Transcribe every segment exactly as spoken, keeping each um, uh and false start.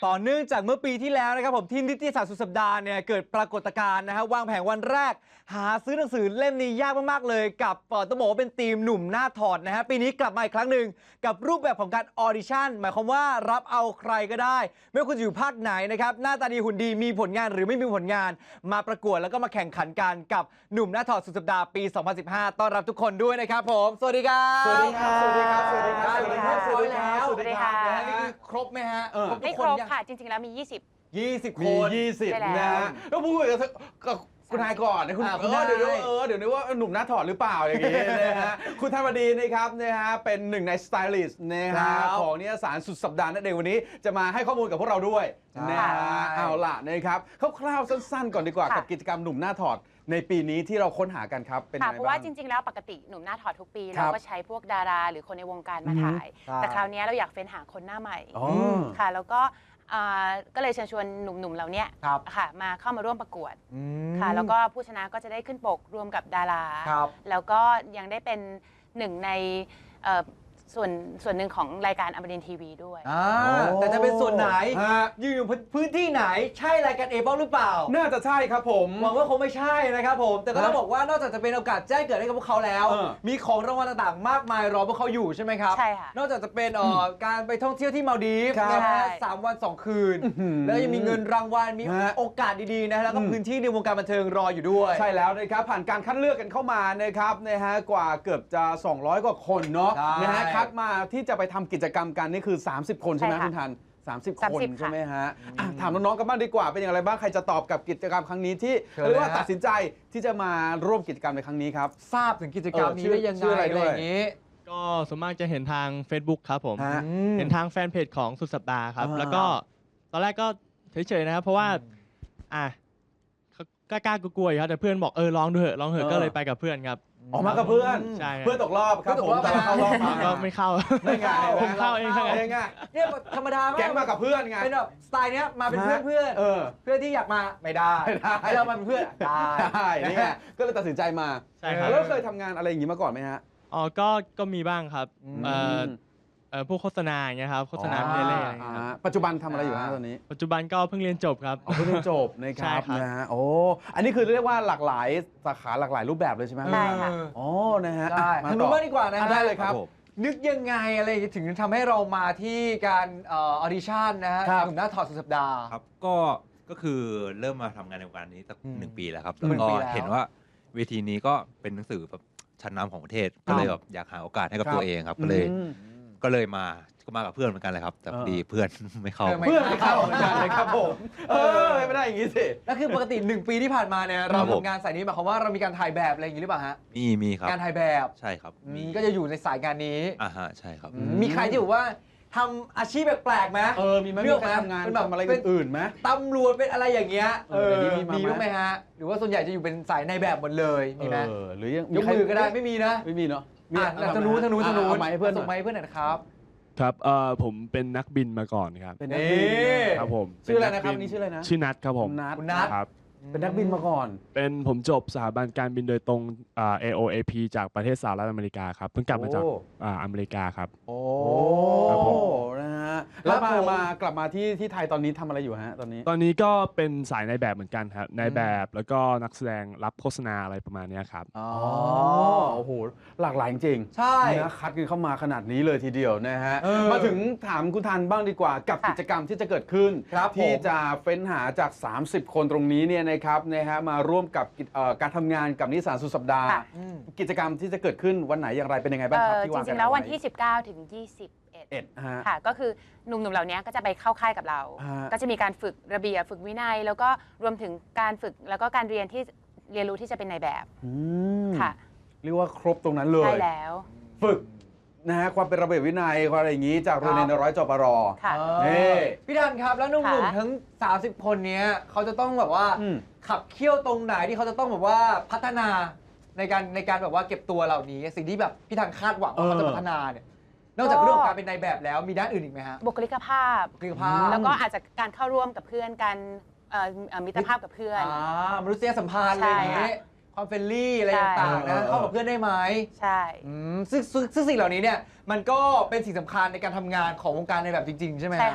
ต่อเนื่องจากเมื่อปีที่แล้วนะครับผมที่นิตยสารสุดสัปดาห์เนี่ยเกิดปรากฏการณ์นะฮะวางแผงวันแรกหาซื้อหนังสือเล่มนี้ยากมากๆเลยกับต้องบอกว่าเป็นทีมหนุ่มหน้าถอดนะฮะปีนี้กลับมาอีกครั้งหนึ่งกับรูปแบบของการออดิชั่นหมายความว่ารับเอาใครก็ได้ไม่ว่าคุณจะอยู่ภาคไหนนะครับหน้าตาดีหุ่นดีมีผลงานหรือไม่มีผลงานมาประกวดแล้วก็มาแข่งขันกันกับหนุ่มหน้าถอดสุดสัปดาห์ปี สองพันสิบห้า ต้อนรับทุกคนด้วยนะครับผมสวัสดีครับสวัสดีครับสวัสดีครับสวัสดีครับสวัสดีครับสวัสดีครับสวัสดีครับนะฮะนี่คือครบไหมฮะไม่ครบค่ะจริงๆแล้วมียี่สิบยี่สิบมีคนยี่สิบใช่แล้วนะฮะแล้วพูดกับกับคุณนายก่อนนะคุณอ่าเอคุณอนายเดี๋ยวนึกว่าเออเดี๋ยวนึกว่าหนุ่มหน้าถอดหรือเปล่าอย่างงี้นะฮะคุณธรรมดีนะครับนะฮะเป็นหนึ่งในสไตลิสต์นะฮะของนิตยสารสุดสัปดาห์นั่นเองวันนี้จะมาให้ข้อมูลกับพวกเราด้วยนะฮะเอาล่ะนะครับคร่าวๆสั้นๆก่อนดีกว่ากับกิจกรรมหนุ่มหน้าถอดในปีนี้ที่เราค้นหากันครับเป็นยังค่ะไงเพราะบ้าว่าง จริงๆแล้วปกติหนุ่มหน้าถอดทุกปีครัเราบก็ใช้พวกดาราหรือคนในวงการมาถ่ายใช่แต่คราวนี้เราอยากเฟ้นหาคนหน้าใหม่อ๋อค่ะ แล้วก็อ่าก็เลยเชิญชวนหนุ่มๆเหล่านี้ครับค่ะมาเข้ามาร่วมประกวดอืมค่ะ แล้วก็ผู้ชนะก็จะได้ขึ้นปกรวมกับดาราครับแล้วก็ยังได้เป็นหนึ่งในเอ่อส่วนส่วนหนึ่งของรายการอมรินทร์ทีวีด้วยอ่าแต่จะเป็นส่วนไหนฮะอยู่อยู่พื้นที่ไหนใช่รายการเอเบิลหรือเปล่าน่าจะใช่ครับผมหวังว่าคงไม่ใช่นะครับผมแต่ก็ต้องฮะบอกว่านอกจากจะเป็นโอกาสแจ้งเกิดให้กับพวกเขาแล้วเออมีของรางวัลต่างๆ มากมายรอพวกเขาอยู่ใช่ไหมครับใช่ค่ะนอกจากจะเป็นเอ่อการไปท่องเที่ยวที่มาลดีฟครับนะฮะใช่สามวันสองคืนอื้อหือแล้วยังมีเงินรางวัลมีฮะโอกาสดีๆนะแล้วก็อืมพื้นที่ในวงการบันเทิงรออยู่ด้วยใช่แล้วนะครับผ่านการคัดเลือกกันเข้ามานะครับนะฮะกว่าเกือบจะ สองร้อย กว่าคนเนาะใช่นะฮะคัดมาที่จะไปทำกิจกรรมกันนี่คือ สามสิบ คนใช่ไหมใช่ค่ะคุณทัน สามสิบ คนสามสิบใช่ไหมฮะค่ะอ่ะถามน้องๆกันบ้างดีกว่าเป็นอย่างไรบ้างใครจะตอบกับกิจกรรมครั้งนี้ที่เชิญเลยเรียกว่าฮะตัดสินใจที่จะมาร่วมกิจกรรมในครั้งนี้ครับทราบถึงกิจกรรมเออนี้ชื่อได้ยังชื่ไงออะไรอะไรด้วยอย่างนี้ก็ส่วนมากจะเห็นทาง Facebook ครับผมฮะอืมเห็นทางแฟนเพจของสุดสัปดาห์ครับอ่าแล้วก็ตอนแรกก็เฉยๆนะครับ เพราะว่า อ่ะกล้าๆกลัวๆอยู่ครับแต่เพื่อนบอกเออลองดูเถอะลองเถอะก็เลยไปกับเพื่อนครับออกมากับเพื่อนใช่ครับเพื่อนตกรอบครับเพื่อนตผกมรอบแต่เราเข้ารอบมาก็ไม่เข้าไม่ไงผมเข้าเองครับเองไงเนี่ยธรรมดามากแก๊งมากับเพื่อนไงเป็นแบบสไตล์เนี้ยมาเป็นเพื่อนเพื่อนเออเพื่อนที่อยากมาไม่ได้ไม่ได้ให้เรามาเป็นเพื่อนได้ใช่นี่ไงก็เลยตัดสินใจมาใช่ครับแล้วเคยทำงานอะไรอย่างนี้มาก่อนไหมฮะอ๋อก็ก็มีบ้างครับอืมเอ่อเอ่อพวกโฆษณาอย่างเงี้ยครับโฆษณาเพลเล่อะไรอย่างเงี้ยครับอ่าปัจจุบันทำอะไรอยู่ฮะตอนนี้ปัจจุบันก็เพิ่งเรียนจบครับอ๋อเพิ่งเรียนจบนะคใช่รับครับนะฮะโอ้อันนี้คือเรียกว่าหลากหลายสาขาหลากหลายรูปแบบเลยใช่ไหมใช่ค่ะอ๋อนะฮะได้อ่ะทางต่นู้อนบ้างดีกว่านะอ่ะฮะได้เลยครับนึกยังไงอะไรถึงทำให้เรามาที่การเออดิชั่นนะฮะครับหนุ่มหน้าถอดสุดสัปดาห์ครับก็ก็คือเริ่มมาทำงานในวงการนี้สักอืมหนึ่งปีแล้วครับหนึ่แล้วงก็ปีแล้วเห็นว่าเวทีนี้ก็เป็นหนังสือแบบชั้นนำของประเทศ ก็เลยแบบอยากหาโอกาสให้กับครับตัวเองครับ ก็เลยอืมก็เลยมาก็มากับเพื่อนเหมือนกันเลยครับ แต่พอดีเพื่อน ไม่เข้าเออไม่เพื่อนไม่เข้าเหมือนกันเลยครับผมเออไม่ได้อย่างนี้สิแล้วคือปกติหนึ่งปีที่ผ่านมาเนี่ยเราครับผมทำงานสายนี้หมายความว่าเรามีการถ่ายแบบอะไรอย่างนี้หรือเปล่าฮะมีมีครับการถ่ายแบบใช่ครับอืมก็จะอยู่ในสายงานนี้อ่าฮะใช่ครับอืมมีใครที่บอกว่าทำอาชีพแปลกๆไหมเออมีไหมเลืมีอกใครไหมทำงานเป็นแบบทำอะไรเป็นอื่นๆไหมตำรวจเป็นอะไรอย่างเงี้ยเออเดี๋ยวนี้มีมีมาไหมบ้างไหมฮะหรือว่าส่วนใหญ่จะอยู่เป็นสายในแบบหมดเลยมีไหมเออหรือยังยกมือก็ได้ไม่มีนะไม่มีเนาะอ่ะทางนู้นทางนู้นทางนู้นเอาไม้ให้เพื่อนหส่งน่ไม้อยให้เพื่อนหน่อยนะครับครับเอ่อผมเป็นนักบินมาก่อนครับเป็นนักบินนี่ครับผมชื่ออะไรเป็นะครับกนี่ชื่ออะไรนะชื่อนัทครับผมคุณนัทคุณนัทครับเป็นนักบินมาก่อนเป็นผมจบสถาบันการบินโดยตรงอ่า เอ โอ เอ พี จากประเทศสหรัฐอเมริกาครับเพิ่งกลับมาจากโอ้อ่าอเมริกาครับโอ้ครับผมนะฮะแล้วครัมาบผมมากลับมาที่ที่ไทยตอนนี้ทำอะไรอยู่ฮะตอนนี้ตอนนี้ก็เป็นสายในแบบเหมือนกันครับในแบบแล้วก็นักแสดงรับโฆษณาอะไรประมาณเนี้ยครับอ๋อโอ้โหหลากหลายจริงใช่นะคัดกันเข้ามาขนาดนี้เลยทีเดียวนะฮะเออมาถึงถามคุณทันบ้างดีกว่ากับค่ะกิจกรรมที่จะเกิดขึ้นครับที่ผมจะเฟ้นหาจาก สามสิบ คนตรงนี้เนี่ยนะครับนะฮะมาร่วมกับกิจเอ่อการทำงานกับนิสสานสุดสัปดาห์ค่ะอืมกิจกรรมที่จะเกิดขึ้นวันไหนอย่างไรเป็นยังไงบ้างเอ่ครับอที่จวางกัรินงๆ แล้ววันเอาไที่ สิบเก้า ถึง ยี่สิบเอ็ดเอ็ดฮะค่ะก็คือหนุ่มๆ เหล่านี้ก็จะไปเข้าค่ายกับเราฮะก็จะมีการฝึกระเบียบฝึกวินัย แล้วก็รวมถึงการฝึกแล้วก็การเรียนที่เรียนรู้ที่จะเป็นในแบบอืมค่ะเรียกว่าครบตรงนั้นเลยใช่แล้วฝึกนะฮะความเป็นระเบียบวินัยความอะไรอย่างนี้จากโรงเรียนในร้อยจปรค่ะเอนี่อพี่ดันครับแล้วหนุ่มค่ะๆทั้ง สามสิบ คนเนี้ยเขาจะต้องแบบว่าอืมขับเคี่ยวตรงไหนที่เขาจะต้องแบบว่าพัฒนาในการในการแบบว่าเก็บตัวเหล่านี้ สิ่งที่แบบพี่ทันคาดหวังว่าเขาจะพัฒนาเนี่ยนอกจากเรื่องของการเป็นนายแบบแล้วมีด้านอื่นอีกไหมฮะบุคลิกภาพบุคลิกภาพแล้วก็อาจจะการเข้าร่วมกับเพื่อนการเอ่อเอ่อมิตรภาพกับเพื่อนอ่ามนุษยสัมพันธ์อะไรอย่างใช่นี้ค่ะความเฟรนลี่อะไรใช่ต่างๆเอนะอเออเข้ากับเพื่อนได้ไหมใช่อืมซึ่งซึ่งซึ่งสิ่งเหล่านี้เนี่ยมันก็เป็นสิ่งสำคัญในการทำงานของวงการในแบบจริง ๆ ใช่ไหมฮใช่ค่ะ เพ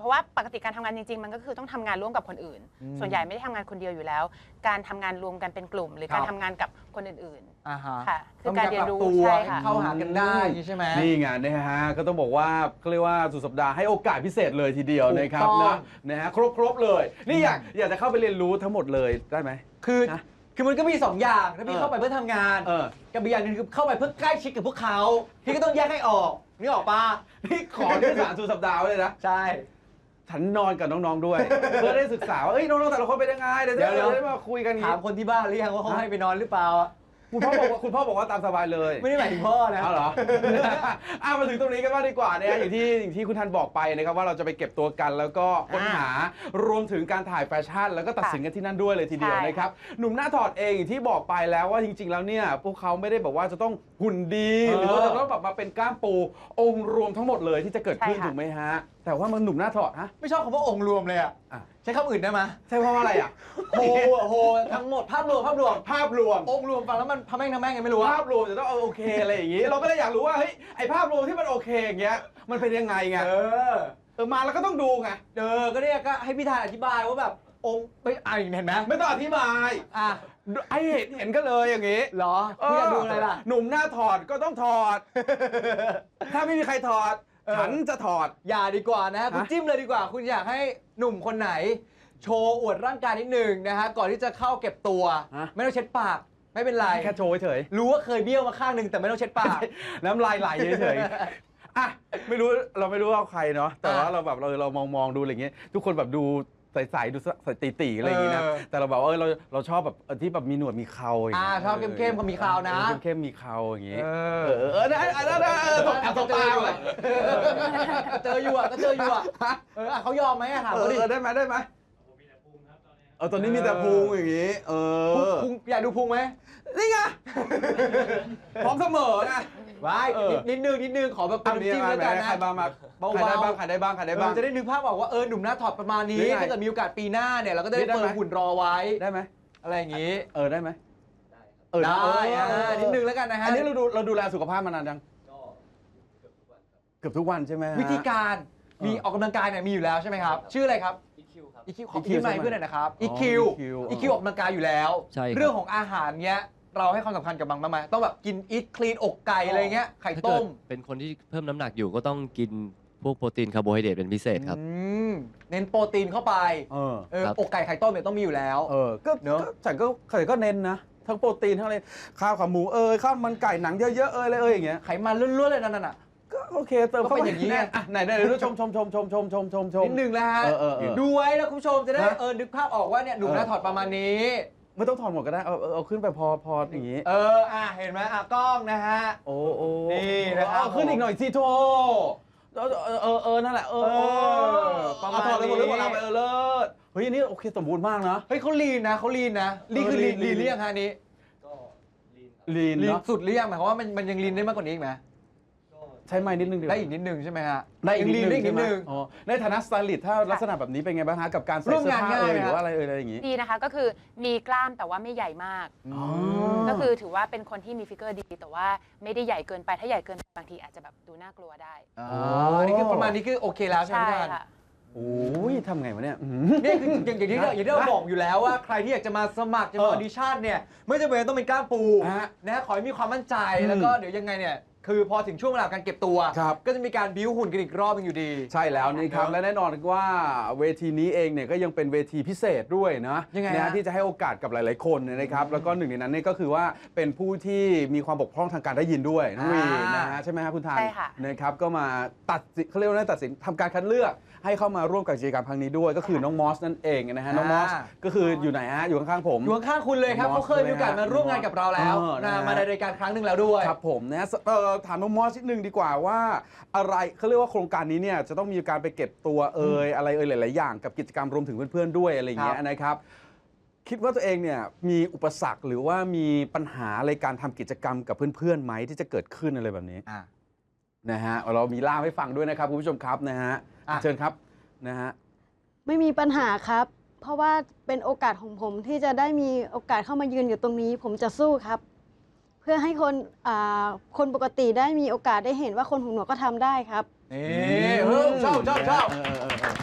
ราะว่าปกติการทำงานจริงๆ มันก็คือต้องทำงานร่วมกับคนอื่นอืมส่วนใหญ่ไม่ได้ทำงานคนเดียวอยู่แล้ว การทำงานรวมกันเป็นกลุ่ม หรือการครับทำงานกับคนอื่นอ่าฮะๆค่ะ คืต้อองการมีเรียปนรับรู้ตัวใช่ค่ะเข้าหากันได้ใช่ไหมนี่ไงนะฮะก็ต้องบอกว่าเขาเรียกว่าสุดสัปดาห์ให้โอกาสพิเศษเลยทีเดียวถูกนะครับต้องนะนะฮะครบครบเลย นี่อยากอยากจะเข้าไปเรียนรู้ทั้งหมดเลยได้ไหมคือนะคือมันก็มีสองอย่างถ้าพี่เออเข้าไปเพื่อทำงานเออกับอีกอย่างหนึงคือเข้าไปเพื่อใกล้ชิดกับพวกเขาพี่ก็ต้องแยกให้ออกนี่ออกปะนี่ขอที่สารสุดสัปดาห์ไว้เลยนะใช่ฉันนอนกับน้องๆด้วย เพื่อได้ศึกษาว่าเอ้ยน้องๆแต่ละคนเป็นยังไงเดี๋ยวเดี๋ยวเดี๋ยวได้มาคุยกันอย่างถามงี้คนที่บ้านหรือยังว่าเขาให้ไปนอนหรือเปล่าคุณพ่อบอกว่าคุณพ่อบอกว่าตามสบายเลยไม่ได้หมายถึงพ่อนะเอาเหรอ อ่ะมาถึงตรงนี้กันบ้างดีกว่านะฮะอย่างที่อย่างที่คุณทันบอกไปนะครับว่าเราจะไปเก็บตัวกันแล้วก็ค้นหารวมถึงการถ่ายแฟชั่น แล้วก็ตัดสินกันที่นั่นด้วยเลยทีเดียวใช่นะครับหนุ่มหน้าถอดเองอย่างที่บอกไปแล้วว่าจริง ๆ แล้วเนี่ยพวกเขาไม่ได้แบบว่าจะต้องหุ่นดีเออหรือว่าจะต้องแบบมาเป็นกล้ามปูองค์รวมทั้งหมดเลยที่จะเกิดขึ้นใช่ค่ะถูกไหมฮะแต่ว่ามันหนุ่มหน้าถอดฮะไม่ชอบคำว่าองค์รวมเลยอ่ะอ่ะใช้คำอื่นได้ไหมใช่เพราะว่าอะไรอ่ะโหโหทั้งหมดภาพรวมภาพรวมภาพรวมองค์รวมฟังแล้วมันพะแม่งทำแม่งไงไม่รู้อะภาพรวมจะต้องเอาโอเคอะไรอย่างงี้ เราก็เลยอยากรู้ว่าเฮ้ยไอภาพรวมที่มันโอเคอย่างเงี้ยมันเป็นยังไงไงเออเออมาแล้วก็ต้องดูไงเออก็เนี่ยก็ให้พี่ธานอธิบายว่าแบบองค์ไม่อ่านเห็นไหมไม่ต้องอธิบายอ่ะไอเห็นเห็นก็เลยอย่างงี้เหรอคุณอยากดูอะไรล่ะหนุ่มหน้าถอดก็ต้องถอด ถ้าไม่มีใครถอดเออฉันจะถอดอย่าดีกว่านะฮะคุณฮะจิ้มเลยดีกว่า คุณอยากให้หนุ่มคนไหน โชว์อวดร่างกายนิดหนึ่งนะฮะก่อนที่จะเข้าเก็บตัว ไม่ต้องเช็ดปากไม่เป็นไรแค่โชว์เฉยรู้ว่าเคยเบี้ยวมาข้างหนึ่งแต่ไม่ต้องเช็ดปากน้ำลายไหลเฉยๆอ่ะไม่รู้เราไม่รู้ว่าใครเนาะแต่ว่าอ่ะเราแบบเราเรามองมองดูอะไรเงี้ยทุกคนแบบดูใสๆดูใสตีๆอะไรอย่างงี้นะเออแต่เราแบบว่าเออเราเราชอบแบบเออที่แบบมีหนวดมีเคราอย่างอ่าเงี้ยชอบเข้มๆเขามีคราวนะเออเข้มๆมีเคราอย่างงี้เอเออเออได้ได้ได้ได้เออตบตบตาเลยก็เจออยู่อ่ะก็เจออยู่อ่ะเอออ่ะเขายอมไหมอ่ะถามเอเขาอดิเออได้ไหมได้ไหมเออตอนนี้มีแต่พุงอย่างงี้ เออพุงอยากดูพุงไหมนี่ไงพร้อมเสมอไงว้ายเออนิดนิดนึงนิดนึงขอแบบเป็นอ่ะมีน้ำจิ้มอะไรแล้วกันนะใครบ้างมาเบาๆใครได้บ้างใครได้บ้างใครได้บ้างเออจะได้นึกภาพออกว่าเออหนุ่มหน้าถอดประมาณนี้หรือไงถ้าเกิดมีโอกาสปีหน้าเนี่ยเราก็จะได้ได้ไหมเปิดหุ่นรอไว้ได้ไหมอะไรอย่างงี้เออได้ไหมเออได้เอออ่านิดนึงแล้วกันนะฮะอันนี้เราดูเราดูแลสุขภาพมานานยังเกือบทุกวันใช่ไหมฮะวิธีการเออมีออกกำลังกายเนี่ยมีอยู่แล้วใช่ไหมครับ ชื่ออะไรครับ อีคิวครับ อีคิวขออีคิวพี่ไมใช่ค์ไหมเพื่อนหน่อยนะครับอ๋อีอคิวอีคิวอีคิวออกกำลังกายอยู่แล้วใช่ครับเรื่องของอาหารเนี้ยเราให้ความสำคัญกับมันบ้างไหมต้องแบบกินอีทคลีนอกไก่อะไรเงี้ยไข่ถ้าเกิต้ดมเป็นคนที่เพิ่มน้ำหนักอยู่ก็ต้องกินพวกโปรตีนคาร์โบไฮเดรตเป็นพิเศษครับอืมเน้นโปรตีนเข้าไปเออเออครับอกไก่ไข่ต้มเนี่ยต้องมีอยู่แล้วเออก็เนอะก็ฉันก็ฉันก็เน้นนะทั้งโปรตีนทั้งอะไรข้าวขาหมูเอยข้าวมันไก่หนังเยอะๆเอยอะไรเอยอย่างเงี้ยไขมันล้วนๆเลยนั่นน่ะก็โอเคเติมก็เข้าเป็นไปอย่างนี้ไงอ่ะไหนไหนดูชมชมชมชมชมชมชมชมนิดนึงแล้วฮะเออเออเออดูไว้แล้วคุณผู้ชมจะได้ฮะเออนึกภาพออกว่าเนี่ยหนุ่มหน้าถอดประมาณนี้ไม่ต้องถอดหมดก็ได้เอาเอาเอาขึ้นไปพอพออย่างงี้เอออ่ะเห็นไหมอ่ะกล้องนะฮะโอ้โอ้นี่นะครับเอาขึ้นอีกหน่อยสิโทเออเออเออเออนั่นแหละเออเออเออประมาณเอาถอดเลยหมดเลยหมดนี้แล้วไปเออเลิศเฮ้ยอันนี้โอเคสมบูรณ์มากนะเฮ้ยเขาลีนนะเขาลีนนะลีนคือลีนเออลีลีนนหรือยังฮะอันนี้ลีนลีนเนาะสุดหรือยังหมายความว่ามันมันยังลีนได้มากกว่านี้อีกไหมใช้ไม้นิดนึงดีกว่าได้อีกนิดนึงใช่ไหมฮะได้อีกยังลีนได้อีกนิดใช่ไหมนึงอ๋อในฐานะสไตลิสต์ถ้าลักษณะแบบนี้เป็นไงบ้างฮะกับการใส่ร่วมานเสื้องผ้าง่ายเอยไหมหรือว่าอะไรเอยอะไรอย่างงี้ดีนะคะก็คือมีกล้ามแต่ว่าไม่ใหญ่มากอ๋อก็คือถือว่าเป็นคนที่มีฟิกเกอร์ดี แต่ว่าไม่ได้ใหญ่เกินไปถ้าใหญ่เกินไปบางทีอาจจะแบบดูน่ากลัวได้อ๋ออันนี้คือประมาณนี้คือโอเคแล้วใช่ไหมใช่พี่ท่านค่ะโอ้ยทำไงวะเนี่ยอืมนี่คืออย่างอย่างที่เราอย่างที่เราบอกอยู่แล้วว่าใครที่อยากจะมาสมัครจะมาอเอออดิชั่นเนี่ยไม่จำเป็นต้องเป็นกล้ามปูฮะนะขอให้มีความมั่นใจอืมแล้วก็เดี๋ยวยังไงเนี่ยคือพอถึงช่วงเวลาการเก็บตัวครับก็จะมีการบิ้วหุ่นกันอีกรอบหนึงอยู่ดีใช่แล้วนี่ครับเนอะและแน่นอนว่าเวทีนี้เองเนี่ยก็ยังเป็นเวทีพิเศษด้วยนะยังไงนะฮะที่จะให้โอกาสกับหลาย ๆ คนเนี่ยนะครับแล้วก็หนึ่งในนั้นเนี่ยก็คือว่าเป็นผู้ที่มีความบกพร่องทางการได้ยินด้วยน้องวีอ่านนะฮะใช่ไหมครับคุณทานใช่ค่ะนะครับก็มาตัดสินเขาเรียกว่าตัดสินทำการคัดเลือกให้เข้ามาร่วมกับกิจกรรมครั้งนี้ด้วย ก็คือน้องมอสนั่นเองนะฮะน้องมอสอ่าก็คืออยู่ไหนฮะอยู่ข้าง ๆ ผมอยู่ข้างๆคุณเลยครับน้องมอสเขาเคยมีโอกาสมาร่วมงานกับเราแล้วเออนะนะฮะมาในรายการครั้งหนึ่งแล้วด้วยครับผมนะเอ่อถามน้องมอสนิดนึงดีกว่าว่าอะไรเขาเรียกว่าโครงการนี้เนี่ยจะต้องมีการไปเก็บตัวเอ่ยอะไรเอ่ยหลาย ๆ อย่างกับกิจกรรมรวมถึงเพื่อน ๆ ด้วยอะไรอย่างเงี้ยครับนะครับ คิดว่าตัวเองเนี่ยมีอุปสรรคหรือว่ามีปัญหาอะไรการทำกิจกรรมกับเพื่อน ๆ ไหมที่จะเกิดขึ้นอะไรแบบนี้อ่ะนะฮะเรามีล่ามให้ฟังด้วยนะครับคุณผู้ชมครับนะฮะอ่ะเชิญครับนะฮะไม่มีปัญหาครับ เพราะว่าเป็นโอกาสของผมที่จะได้มีโอกาสเข้ามายืนอยู่ตรงนี้ ผมจะสู้ครับ เพื่อให้คนอ่าคนปกติได้มีโอกาสได้เห็นว่าคนหูหนวกก็ทำได้ครับนี่เออชอบชอบชอบเออเออเออ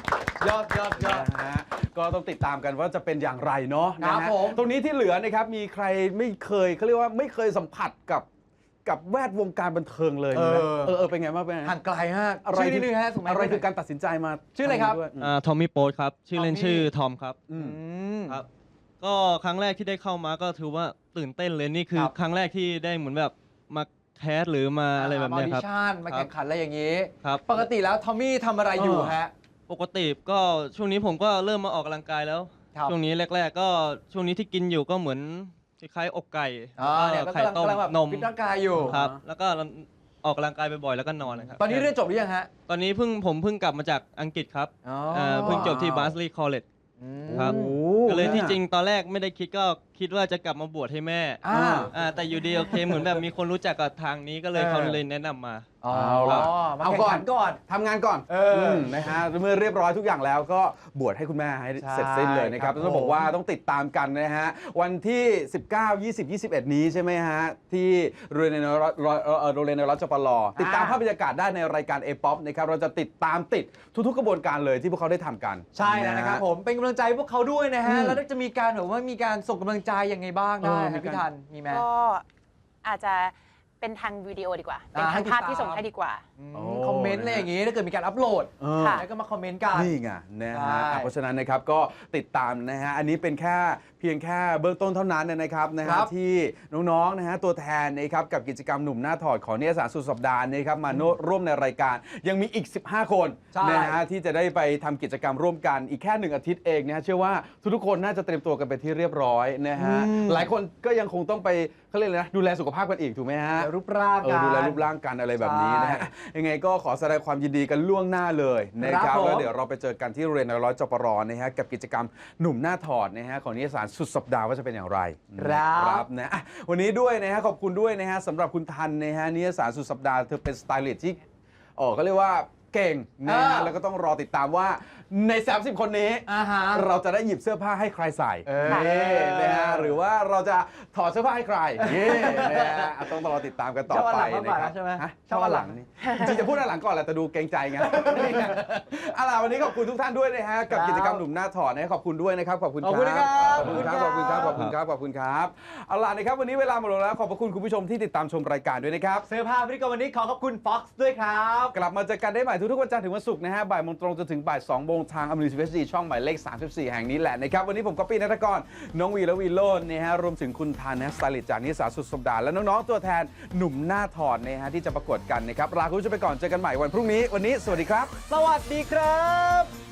ยอดยอดยอดนะฮะก็ต้องติดตามกันว่าจะเป็นอย่างไรเนาะครันะบฮะผมตรงนี้ที่เหลือนะครับมีใครไม่เคยเขาเรียกว่าไม่เคยสัมผัสกับกับแวดวงการบันเทิงเลยมีไหมเออเออเออเป็นไงบ้างเป็นไงห่างไกลฮะอะไรชื่อนิดนึงฮะส่งมาอะไรให้คือการตัดสินใจมาชื่ออะไรครับทำด้วยอ่าทอมมี่โป๊ตครับ ชื่อเล่น Tommy ชื่อทอมครับอืมอืมครับ ก็ครั้งแรกที่ได้เข้ามาก็ถือว่าตื่นเต้นเลยนี่คือครับครั้งแรกที่ได้เหมือนแบบมาแคสหรือมาอะไรแบบเนี้ยครับมาออดิชั่นมาแข่งขันอะไรอย่างนี้ครับปกติแล้วทอมมี่ทำอะไรอยู่ฮะปกติก็ช่วงนี้ผมก็เริ่มมาออกกำลังกายแล้วครับช่วงนี้แรก ๆ ก็ช่วงนี้ที่กินอยู่ก็เหมือนคล้ายๆอกไก่อ่าเนี่ยแล้วก็ก็ไข่กำลังต้มกำลังแบบนมฟิตร่างกายอยู่ครับ แล้วก็ออกกำลังกายบ่อยๆแล้วก็นอนนะครับตอนนี้เรียนจบหรือยังฮะตอนนี้เพิ่งผมเพิ่งกลับมาจากอังกฤษครับอ๋อเอ่อเพิ่งจบที่ Barnsley College อืมครับโอ้ก็เลยที่น่ะจริงตอนแรกไม่ได้คิดก็คิดว่าจะกลับมาบวชให้แม่อ่าอ่าแต่อยู่ดีโอเคเหมือนแบบมีคนรู้จักกับทางนี้ก็เลยเออเขาเลยแนะนำมาอ๋อเอาล่ะมาเอาแข่งก่อนขันก่อนทำงานก่อนเอออืมนะฮะเมื่อเรียบร้อยทุกอย่างแล้วก็บวชให้คุณแม่ให้ใช่เสร็จสิ้นเลยนะครับครับต้องบอกผมว่าต้องติดตามกันนะฮะวันที่ สิบเก้า ยี่สิบ ยี่สิบเอ็ด นี้ใช่ไหมฮะที่โรงเรียนในรัฐโรงเรียนในรัฐจปรติดตามภาพบรรยากาศได้ในรายการ A-POP นะครับเราจะติดตามติดทุกๆกระบวนการเลยที่พวกเขาได้ทำกันใช่แล้วนะครับฮผมเป็นกำลังใจให้พวกเขาด้วยนะฮะอืมแล้วจะมีการแบบว่ามีการส่งกำลังใจยังไงบ้างได้เออมีฮะการพี่ทันมีไหมก็อาจจะเป็นทางวิดีโอดีกว่า เป็นอ่าให้ทางภาพติดตามที่ส่งให้ดีกว่าอืมโอ้คอมเมนต์อะไรอย่างงี้ถ้าเกิดมีการอัปโหลดเออค่ะแล้วก็มาคอมเมนต์กันนี่ไงนะใช่ฮะอ่ะเพราะฉะนั้นนะครับก็ติดตามนะฮะอันนี้เป็นแค่เพียงแค่เบื้องต้นเท่านั้นนะครับนะคฮะรับที่น้องๆนะฮะตัวแทนนะครับกับกิจกรรมหนุ่มหน้าถอดของนิตยสารสุดสัปดาห์นะครับมาร่วมในรายการยังมีอีก สิบห้า คนใช่นะฮะที่จะได้ไปทำกิจกรรมร่วมกันอีกแค่หนึ่งอาทิตย์เองนะฮะเชื่อว่าทุกๆคนน่าจะเตรียมตัวกันไปที่เรียบร้อยนะฮะหลายคนก็ยังคงต้องไปเขาเรียกอะไรนะดูแลสุขภาพกันอีกถูกไหมฮะเดี๋ยวรูปร่างเอกัอน ดูแลรูปร่างกันอะไรแบบนี้นะฮะใช่ยังไงก็ขอแสดงความยินดีกันล่วงหน้าเลยนะคครัรับบผมแล้วเดี๋ยวเราไปเจอกันที่โรงเรียนในร้อยจปรนะฮะกับกิจกรรมหนุ่มหน้าถอดนะฮะของนิตยสารสุดสัปดาห์ว่าจะเป็นอย่างไรครับนะอ่ะวันนี้ด้วยนะฮะขอบคุณด้วยนะฮะสำหรับคุณทันนะฮะนิตยสารสุดสัปดาห์เธอเป็นสไตลิสต์ที่เออเขาเรียกว่าเก่งนะฮะอ่าแล้วก็ต้องรอติดตามว่าใน สามสิบ คนนี้อ่าฮะเราจะได้หยิบเสื้อผ้าให้ใครใส่เออนี่นะฮะหรือว่าเราจะถอดเสื้อผ้าให้ใครนี่นะฮะอ่ะต้องรอติดตามกันต่อชอบอันไปหลังมากกว่านะครับใช่ไหมฮะชชออบบ อัอันนหหลัลังงนี่จริงๆจะพูดอันหลังก่อนแหละแต่ดูเกรงใจไงนี่ไงเอาล่ะวันนี้ขอบคุณทุกท่านด้วยนะฮะกับกิจกรรมหนุ่มหน้าถอดนะขอบคุณด้วยนะครับขอบคุณขอบคุณนะครับขอบคุณครับขอบคุณครับขอบคุณครับขอบคุณครับเอาล่ะนะครับวันนี้เวลาหมดลงแล้วขอบพระคุณคุณผู้ชมที่ติดตามชมรายการด้วยนะครับเสื้อผ้าพิธีกรวันนี้ขอขอบคุณ Fox ด้วยครับกลับมาเจอกันได้ใหม่ทุกๆวันจันทร์ถึงวันศุกร์นะฮะบ่ายโมงตรงจนถึงบ่ายสองโมงทางอมรินทร์ทีวีช่องหมายเลขสามสิบสี่แห่งนี้แหละนะครับวันนี้ผมก๊อปปี้นัทกรน้องวีและวีโรจน์นะฮะรวมถึงคุณทานนะสไตลิสต์จากนิสสาสุดสัปดาห์และน้องๆตัวแทนหนุ่มหน้าถอดนะฮะที่จะประกวดกันนะครับลาคุณผู้ชมไปก่อนเจอกันใหม่วันพรุ่งนี้วันนี้สวัสดีครับสวัสดีครับ